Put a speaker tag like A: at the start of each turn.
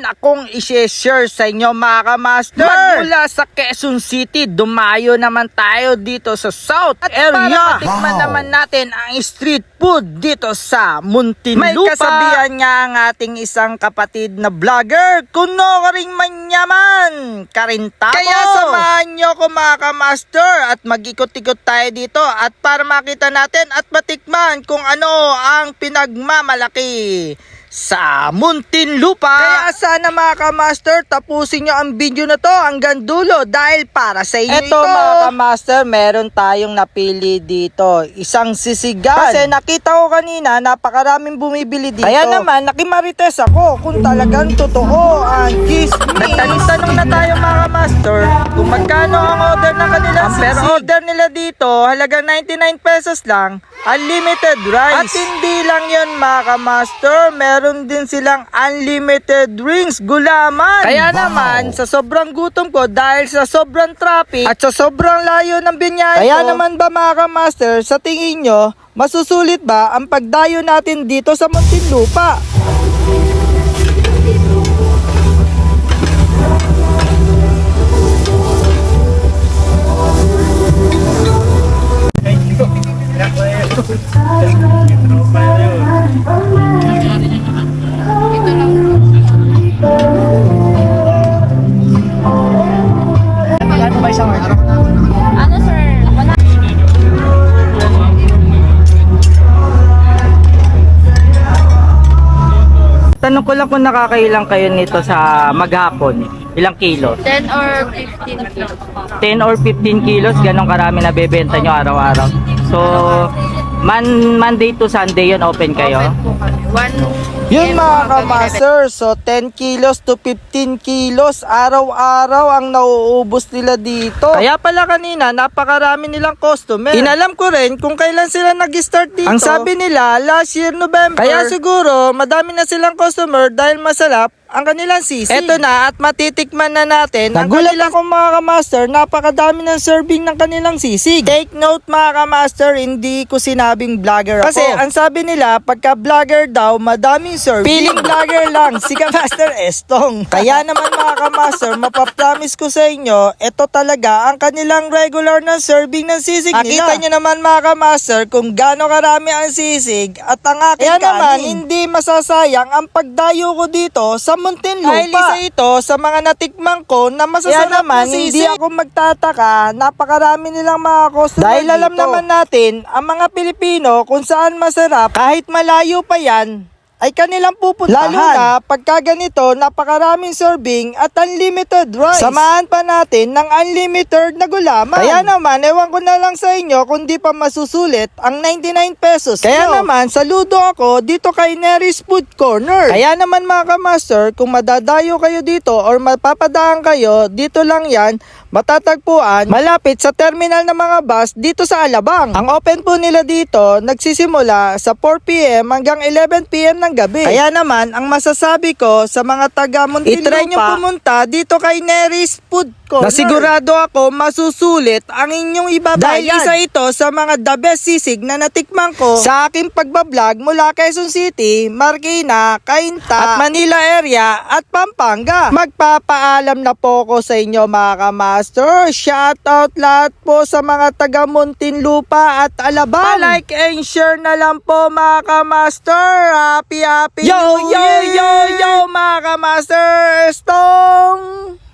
A: akong i-share sa inyo mga kamaster. Magmula sa Quezon City, dumayo naman tayo dito sa South area. Para matikman naman natin ang street food dito sa Muntinlupa. May kasabihan nga ang ating isang kapatid na vlogger, kuno ka ring manyaman, karintamo. Kaya samahan nyo ko mga kamaster at mag-ikot-ikot tayo dito at para makita natin at matikman kung ano ang pinagmamalaki sa Muntinlupa. Kaya sana mga kamaster, tapusin nyo ang video na to hanggang dulo dahil para sa inyo ito. Mga kamaster, meron tayong napili dito, isang sisigan. Kasi nakita ko kanina napakaraming bumibili dito. Kaya naman nakimarites ako kung talagang totoo ang chismis. Nagtanong na tayo mga kamaster kung magkano ang order ng kanilang sisig. Pero order nila dito halagang 99 pesos lang, unlimited rice. At hindi lang yun mga kamaster, meron din silang unlimited drinks, gulaman. Kaya naman, sa sobrang gutom ko dahil sa sobrang traffic at sa sobrang layo ng binyay ko. Kaya naman ba mga kamaster, sa tingin nyo, masusulit ba ang pagdayo natin dito sa Muntinlupa?
B: Ano sir? Wala.
A: Tanong ko lang kung nakakailang kayo nito sa maghapon. Ilang kilo?
B: 10 or 15 kilos.
A: 10 or 15 kilos, ganong karami na bebenta nyo araw-araw. So, Monday to Sunday yun open kayo? Yun mga kamaster, so 10 kilos to 15 kilos araw-araw ang nauubos nila dito. Kaya pala kanina napakarami nilang customer. Inalam ko rin kung kailan sila nag-start dito. Ang sabi nila last year November. Kaya siguro madami na silang customer dahil masarap ang kanilang sisig. Eto na at matitikman na natin. Nagulat ako mga kamaster, napakadami ng serving ng kanilang sisig. Take note mga kamaster, hindi ko sinabing vlogger ako. Kasi ang sabi nila, pagka vlogger daw, madaming serving. Feeling vlogger lang, si Kamaster Estong. Kaya naman mga kamaster, mapapromise ko sa inyo, ito talaga ang kanilang regular na serving ng sisig nila. Nakita nyo naman mga kamaster kung gaano karami ang sisig at ang aking kanin. Kaya naman, hindi masasayang ang pagdayo ko dito sa Muntinlupa. Dahil isa ito sa mga natikman ko na masasarap naman, na sisig. Hindi ako magtataka, napakarami nilang mga customer dahil alam dito. Naman natin, ang mga Pilipino kung saan masarap, kahit malayo pa yan, ay kanilang pupuntahan. Lalo na pagka ganito, napakaraming serving at unlimited rice. Samahan pa natin ng unlimited na gulaman. Kaya naman, ewan ko na lang sa inyo kung di pa masusulit ang 99 pesos. Kaya naman, saludo ako dito kay Nery's Food Corner. Kaya naman mga kamaster, kung madadayo kayo dito or mapapadaan kayo, dito lang yan, matatagpuan malapit sa terminal ng mga bus dito sa Alabang. Ang open po nila dito nagsisimula sa 4 PM hanggang 11 PM ng gabi. Kaya naman ang masasabi ko sa mga taga Muntinlupa, i-try nyo pumunta dito kay Nery's Food Corner. Nasigurado ako masusulit ang inyong ibabayad. Dahil isa ito sa mga the best sisig na natikman ko sa aking pagbablog mula Quezon City, Marikina, Cainta at Manila area at Pampanga. Magpapaalam na po ko sa inyo mga kamaster. Shoutout lahat po sa mga taga Muntinlupa at Alabang. Like and share na lang po mga kamaster. Happy yo mga kamaster. Estong